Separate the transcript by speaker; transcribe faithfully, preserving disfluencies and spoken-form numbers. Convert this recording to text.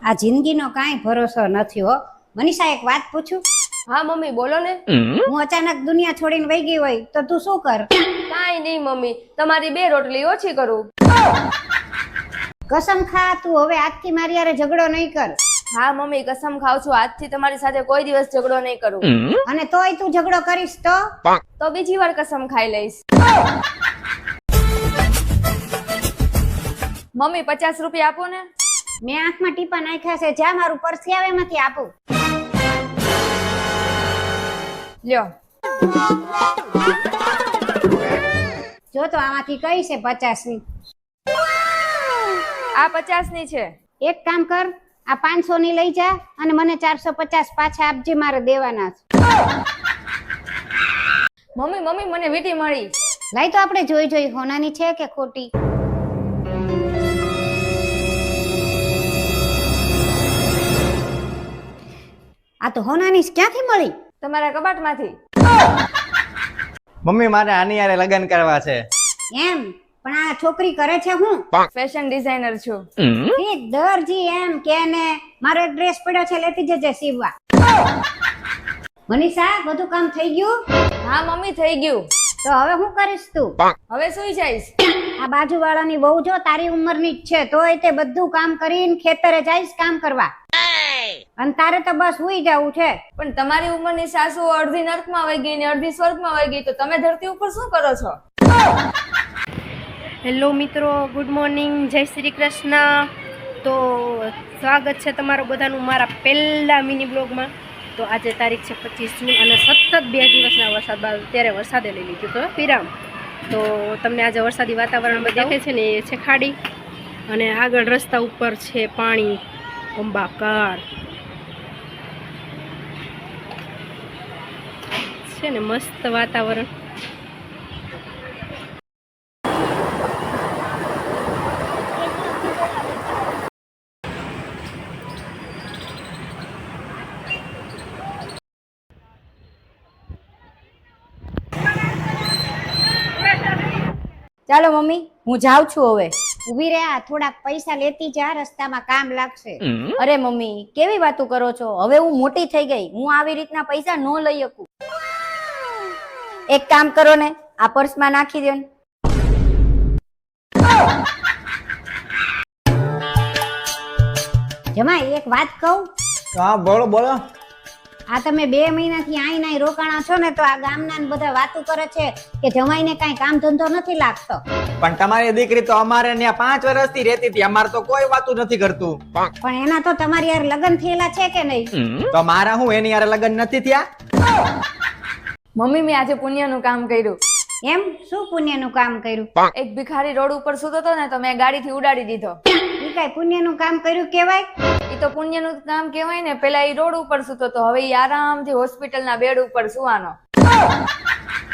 Speaker 1: આ જિંદગીનો કાંઈ ભરોસો નથી હો. મનીષા, એક વાત પૂછું?
Speaker 2: હા મમ્મી બોલો ને.
Speaker 1: હું અચાનક દુનિયા છોડીને વહી ગઈ હોય તો તું શું કર?
Speaker 2: કાંઈ નહીં મમ્મી, તમારી બે રોટલી ઓછી કરું.
Speaker 1: કસમ ખા, તું હવે આજથી મારી હારે ઝઘડો નહીં કર.
Speaker 2: હા મમ્મી, કસમ ખાવ છું, આજથી તમારી સાથે કોઈ દિવસ ઝઘડો નહીં કરું.
Speaker 1: અને તોય તું ઝઘડો કરીશ તો
Speaker 2: તો બીજી વાર કસમ ખાઈ લઈશ. મમ્મી પચાસ રૂપિયા આપો ને.
Speaker 1: મેં આંખમાં ટીપા નાખ્યા છે, જા મારું પરસી આવે એમાંથી આપું.
Speaker 2: લ્યો.
Speaker 1: જો તો આમાંથી કઈ છે પચાસ ની?
Speaker 2: આ પચાસ ની છે.
Speaker 1: એક કામ કર, આ પાંચસો ની લઈ જા અને મને ચારસો પચાસ પાછા આપજે, મારે દેવાના છે.
Speaker 2: મમ્મી મમ્મી મને વીંટી મળી.
Speaker 1: લાઈ તો આપણે જોઈ જોઈ હોનાની છે કે ખોટી. આ તો હોનાની ક્યાંથી મળી?
Speaker 2: તમારા કબાટમાંથી.
Speaker 3: મમ્મી મારે આની યારે લગ્ન કરવા છે.
Speaker 1: એમ? પણ આ છોકરી કરે છે હું?
Speaker 2: ફેશન ડિઝાઇનર છું.
Speaker 1: ઠીક, દરજી એમ કે ને મારો એક ડ્રેસ પડ્યો છે, લેતી જજે સીવવા. મનીષા, બધું કામ થઈ ગયું?
Speaker 2: હા મમ્મી થઈ ગયું.
Speaker 1: તો હવે શું કરીશ તું?
Speaker 2: હવે સુઈ જઈશ.
Speaker 1: આ બાજુવાળાની વહુ જો તારી ઉંમરની જ છે, તોય તે બધું કામ કરીને ખેતરે જઈશ કામ કરવા. અને તારે તો બસ સુઈ જવું છે.
Speaker 2: પણ તમારી ઉંમરની સાસુ અડધી નર્કમાં વહી ગઈ ને અડધી સ્વર્ગમાં વહી ગઈ, તો તમે ધરતી ઉપર શું કરો છો?
Speaker 4: હેલો મિત્રો, ગુડ મોર્નિંગ, જય શ્રી કૃષ્ણ. તો સ્વાગત છે તમારું બધાનું મારા પહેલા મિની બ્લોગમાં. તો આજે તારીખ છે પચીસ જૂન અને સતત બે દિવસના વરસાદ બાદ અત્યારે વરસાદે લઈ લીધું તો વિરામ. તો તમને આજે વરસાદી વાતાવરણ દેખાય છે ને, એ છે ખાડી અને આગળ રસ્તા ઉપર છે પાણી અંબાકાર છે ને, મસ્ત વાતાવરણ.
Speaker 2: ચાલો મમ્મી, હું જાઉં છું હવે.
Speaker 1: ઉભી રે, આ થોડાક પૈસા લેતી જા, રસ્તામાં કામ લાગશે.
Speaker 2: અરે મમ્મી, કેવી વાતો કરો છો? હવે હું મોટી થઈ ગઈ, હું આવી રીતના પૈસા ન લઈ શકું. એક કામ કરો ને, આ પર્સમાં નાખી દો ને.
Speaker 1: જમાઈ, એક વાત કહું?
Speaker 3: હા બોલો બોલો.
Speaker 1: આ તમે બે મહિનાથી આઈ નાઈ રોકાણા છો ને, તો આ ગામના ને બધા વાતો કરે છે કે જમાઈને કાંઈ કામ ધંધો નથી લાગતો.
Speaker 3: પણ તમારી દીકરી તો અમારે ત્યાં પાંચ વર્ષથી રહેતી હતી, અમારે તો કોઈ વાતું નથી કરતું.
Speaker 1: પણ એના તો તમારી યાર લગ્ન થયેલા છે કે નહીં?
Speaker 3: તો મારા હું એની યારે લગ્ન નથી થયા?
Speaker 2: મમ્મી, મેં આજે પુણ્યનું કામ કર્યું.
Speaker 1: એમ? શું પુણ્યનું કામ કર્યું?
Speaker 2: એક ભિખારી રોડ ઉપર સૂતો હતો ને, તો મેં ગાડીથી ઉડાડી દીધો.
Speaker 1: ઈ કાંઈ પુણ્યનું કામ કર્યું કેવાય?
Speaker 2: એ તો પુણ્યનું કામ કહેવાય ને. પેલા એ રોડ ઉપર સૂતો હતો, હવે એ આરામથી હોસ્પિટલના બેડ ઉપર સુવાનો.